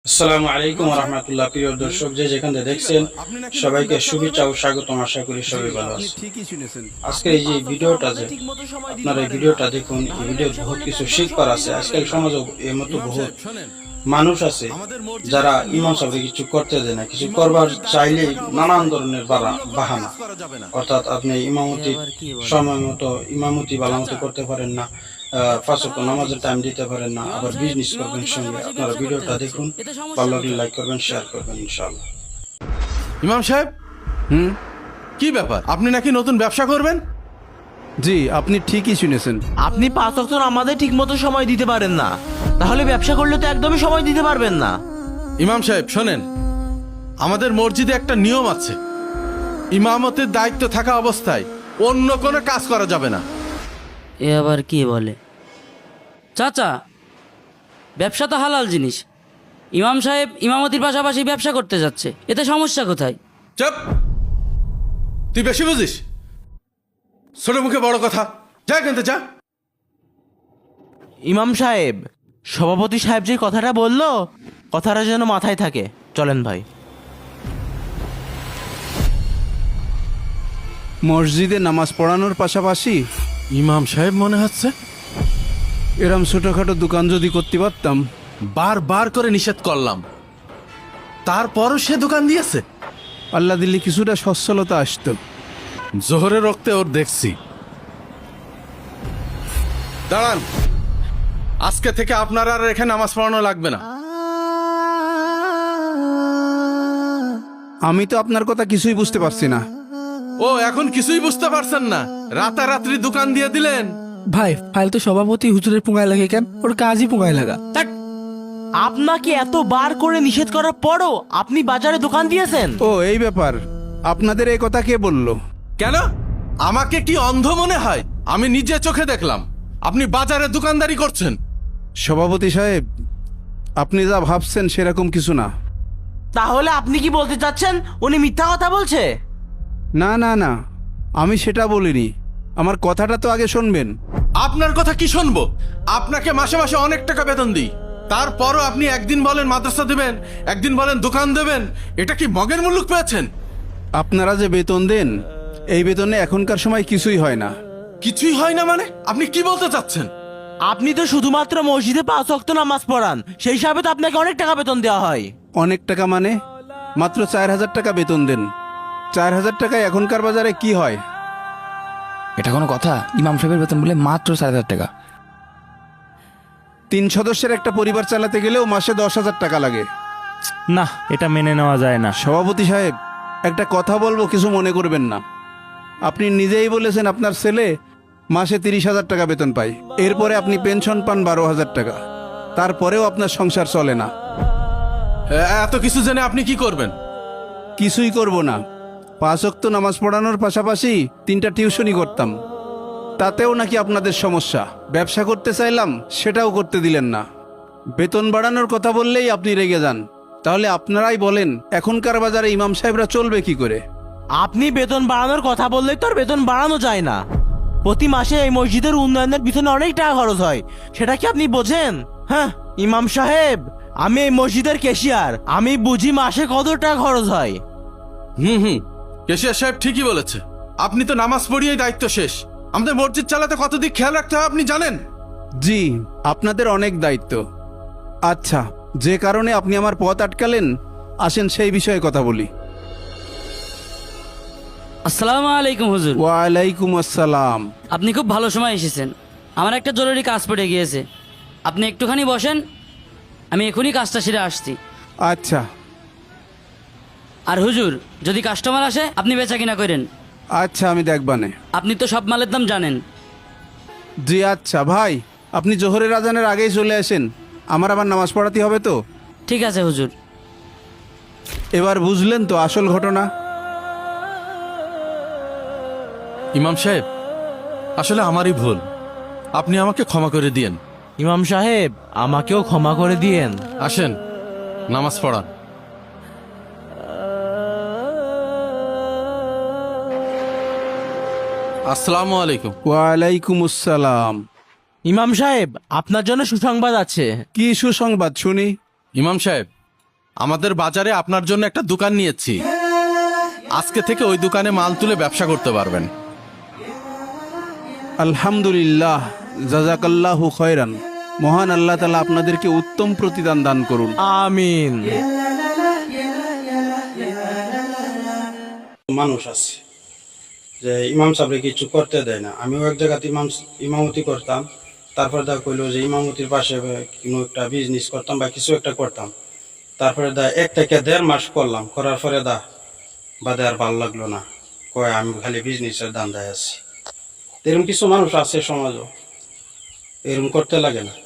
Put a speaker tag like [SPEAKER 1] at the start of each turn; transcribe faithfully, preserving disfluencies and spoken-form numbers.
[SPEAKER 1] আসসালামু আলাইকুম ওয়া রাহমাতুল্লাহ। প্রিয় দর্শক, যে যেখান থেকে দেখছেন সবাইকে শুভেচ্ছা ও স্বাগতম। আশা করি সবাই ভালো আছেন। আজকে এই যে ভিডিওটা, যে আপনারা এই ভিডিওটা দেখুন, এই ভিডিও বহুত কিছু শিখবার আছে। আজকাল সমাজে এর মতো বহুত মানুষ আছে যারা ইমাম সাহেবকে কিছু করতে দেয় না, কিছু করবার চাইলে নানান ধরনের বাহানা, অর্থাৎ আপনি ইমামতি সময় মতো ইমামতি ভালো মতো করতে পারেন না, পাঁচ ওয়াক্ত নামাজের টাইম দিতে পারেন না, আবার বিজনেস করবেন সঙ্গে। আপনারা ভিডিওটা দেখুন, ভালো লাগলে লাইক করবেন, শেয়ার করবেন ইনশাআল্লাহ।
[SPEAKER 2] ইমাম সাহেব,
[SPEAKER 3] হুম
[SPEAKER 2] কি ব্যাপার? আপনি নাকি নতুন ব্যবসা করবেন?
[SPEAKER 3] জি, আপনি ঠিকই শুনেছেন।
[SPEAKER 4] আপনি পাঁচ ওয়াক্ত আমাদের ঠিক মতো সময় দিতে পারেন না, তাহলে ব্যবসা করলে তো একদমই সময় দিতে পারবেন না।
[SPEAKER 2] ইমাম সাহেব শোনেন, আমাদের মসজিদে একটা নিয়ম আছে, ইমামতের দায়িত্ব থাকা অবস্থায় অন্য কোনো কাজ করা যাবে না।
[SPEAKER 5] এ আবার কি বলে? চাচা, ব্যবসা তো হালাল জিনিস। ইমাম সাহেব ইমামতির পাশাপাশি ব্যবসা করতে যাচ্ছে, এতে সমস্যা কোথায়?
[SPEAKER 2] চুপ! তুই বেশি বুঝিস। ছোট মুখে বড় কথা, যা কিনতে যা।
[SPEAKER 4] ইমাম সাহেব, সভাপতি সাহেব যে কথাটা বললো, কথাটা যেন মাথায় থাকে। চলেন ভাই।
[SPEAKER 3] মসজিদে নামাজ পড়ানোর পাশাপাশি
[SPEAKER 2] ইমাম সাহেব মনে হচ্ছে
[SPEAKER 3] এরম ছোটখাটো দোকান যদি করতে পারতাম।
[SPEAKER 2] বারবার করে নিষেধ করলাম, তারপরও সে দোকান দিয়েছে।
[SPEAKER 3] আল্লাহ দিল্লি কিছুটা সচ্ছলতা আসতো।
[SPEAKER 2] জোহরের রক্তে ওর দেখছি। দাঁড়ান, আজকে থেকে আপনার আর এখানে নামাজ পড়ানো লাগবে না।
[SPEAKER 3] আমি তো আপনার কথা কিছুই বুঝতে পারছি না।
[SPEAKER 2] ও এখন কিছুই বুঝতে পারছেন না? রাতারাত্রি দোকান দিয়ে দিলেন।
[SPEAKER 6] ভাই, ফাইল তো সভাপতি হুজুরের পুঙ্গায় লাগে কেন? ওর কাজই পুঙ্গায় লাগা।
[SPEAKER 4] আপনাকে এত বার করে নিষেধ করার পরও আপনি বাজারে দোকান দিয়েছেন?
[SPEAKER 3] ও এই ব্যাপার, আপনাদের এই কথা কে বললো?
[SPEAKER 2] কেন? আমাকে কি অন্ধ মনে হয়? আমি নিজে চোখে দেখলাম আপনি বাজারে দোকানদারি করছেন।
[SPEAKER 3] সভাপতি সাহেব, আপনি যা ভাবছেন সেরকম কিছু না।
[SPEAKER 4] তাহলে আপনি কি বলতে চাচ্ছেন উনি মিথ্যা কথা বলছে?
[SPEAKER 3] না না না, আমি সেটা বলিনি। আমার কথাটা তো আগে শুনবেন।
[SPEAKER 2] আপনার কথা কি শুনবো? আপনাকে মাসে মাসে অনেক টাকা বেতন দিই, তারপরও আপনি একদিন বলেন মাদ্রাসা দেবেন, একদিন বলেন দোকান দেবেন। এটা কি মগের মুলুক পেয়েছেন?
[SPEAKER 3] আপনারা যে বেতন দেন, এই বেতনে এখনকার সময় কিছুই হয় না।
[SPEAKER 2] কিছুই হয় না মানে? আপনি কি বলতে চাচ্ছেন?
[SPEAKER 4] আপনি তো শুধুমাত্র মসজিদে পাঁচ ওয়াক্ত নামাজ পড়ান, সেই হিসাবে তো আপনাকে অনেক টাকা বেতন দেওয়া হয়।
[SPEAKER 3] অনেক টাকা মানে? মাত্র চার হাজার টাকা বেতন দেন। চার হাজার টাকায় এখনকার বাজারে কি হয়?
[SPEAKER 6] এটা কোনো কথা? ইমাম সাহেবের বেতন বলে মাত্র চার হাজার টাকা।
[SPEAKER 3] তিন সদস্যের একটা পরিবার চালাতে গেলেও মাসে দশ হাজার টাকা লাগে।
[SPEAKER 7] না, এটা মেনে নেওয়া যায় না।
[SPEAKER 3] সভাপতি সাহেব, একটা কথা বলবো, কিছু মনে করবেন না। আপনি নিজেই বলেছেন আপনার ছেলে মাসে তিরিশ হাজার টাকা বেতন পায়, এরপরে আপনি পেনশন পান বারো হাজার টাকা, তারপরেও আপনার সংসার চলে না।
[SPEAKER 2] এ- এত কিছু জেনে আপনি কি করবেন?
[SPEAKER 3] কিছুই করব না। পাঁচ ওয়াক্ত নামাজ পড়ানোর পাশাপাশি তিনটা টিউশনি করতাম, তাতেও নাকি আপনাদের সমস্যা। ব্যবসা করতে চাইলাম, সেটাও করতে দিলেন না। বেতন বাড়ানোর কথা বললেই আপনি রেগে যান। তাহলে আপনারাই বলেন, এখনকার বাজারে ইমাম সাহেবরা চলবে কি করে?
[SPEAKER 4] আপনি বেতন বাড়ানোর কথা বললেই তো আর বেতন বাড়ানো যায় না। প্রতি মাসে এই মসজিদের উন্নয়নের পিছনে অনেক টাকা খরচ হয়, সেটা কি আপনি বোঝেন? হ্যাঁ ইমাম সাহেব, আমি এই মসজিদের ক্যাশিয়ার, আমি বুঝি মাসে কত টাকা খরচ হয়।
[SPEAKER 2] হুম হুম কেশিয়া সাহেব ঠিকই বলেছে। আপনি তো নামাজ পড়িয়েই দায়িত্ব শেষ। আমাদের মসজিদ চালাতে কত দিক খেয়াল রাখতে হয় আপনি জানেন।
[SPEAKER 3] জি, আপনাদের অনেক দায়িত্ব। আচ্ছা, যে কারণে আপনি আমার পথ আটকালেন, আসেন সেই বিষয়ে কথা বলি।
[SPEAKER 5] আসসালামু আলাইকুম হুজুর।
[SPEAKER 3] ওয়ালাইকুম আসসালাম।
[SPEAKER 5] আপনি খুব ভালো সময় এসেছেন। আমার একটা জরুরি কাজ পড়ে গিয়েছে, আপনি একটুখানি বসেন, আমি এখনই কাজটা সেরে আসছি।
[SPEAKER 3] আচ্ছা
[SPEAKER 5] আর হুজুর, যদি কাস্টমার আসে আপনি বেচা কিনা করেন।
[SPEAKER 3] আচ্ছা, আমি দেখবানে।
[SPEAKER 5] আপনি তো সব মালের দাম জানেন।
[SPEAKER 3] জি আচ্ছা ভাই, আপনি জোহরের আজানের আগেই চলে আসেন, আমার আবার নামাজ পড়াতে হবে তো।
[SPEAKER 5] ঠিক আছে হুজুর।
[SPEAKER 3] এবার বুঝলেন তো আসল ঘটনা?
[SPEAKER 2] ইমাম সাহেব, আসলে আমারই ভুল, আপনি আমাকে ক্ষমা করে দিয়েন।
[SPEAKER 4] ইমাম সাহেব, আমাকেও ক্ষমা করে দিয়েন।
[SPEAKER 2] আসেন, নামাজ পড়ান। আসসালামু আলাইকুম।
[SPEAKER 3] ওয়ালাইকুম আসসালাম।
[SPEAKER 4] ইমাম সাহেব, আপনার জন্য সুসংবাদ আছে।
[SPEAKER 3] কি সুসংবাদ শুনি?
[SPEAKER 2] ইমাম সাহেব, আমাদের বাজারে আপনার জন্য একটা দোকান নিয়েছি, আজকে থেকে ওই দোকানে মাল তুলে ব্যবসা করতে পারবেন।
[SPEAKER 3] আলহামদুলিল্লাহ, জাজাকাল্লাহু খয়রান। মহান আল্লাহ তাআলা আপনাদেরকে উত্তম প্রতিদান দান করুন।
[SPEAKER 4] আমিন।
[SPEAKER 1] মানুষ আছে যে ইমাম সাহেবরে কিছু করতে দেয় না। আমিও এক জায়গাতে ইমাম ইমামতি করতাম, তারপরে দা কইলো যে ইমামতির পাশে কোনো একটা বিজনেস করতাম বা কিছু একটা করতাম। তারপরে দা এক থেকে দেড় মাস করলাম, করার পরে দা বাদে আর ভালো লাগলো না, কয় আমি খালি বিজনেসের ধান্দায় আছি। এরকম কিছু মানুষ আছে সমাজও, এরকম করতে লাগে না।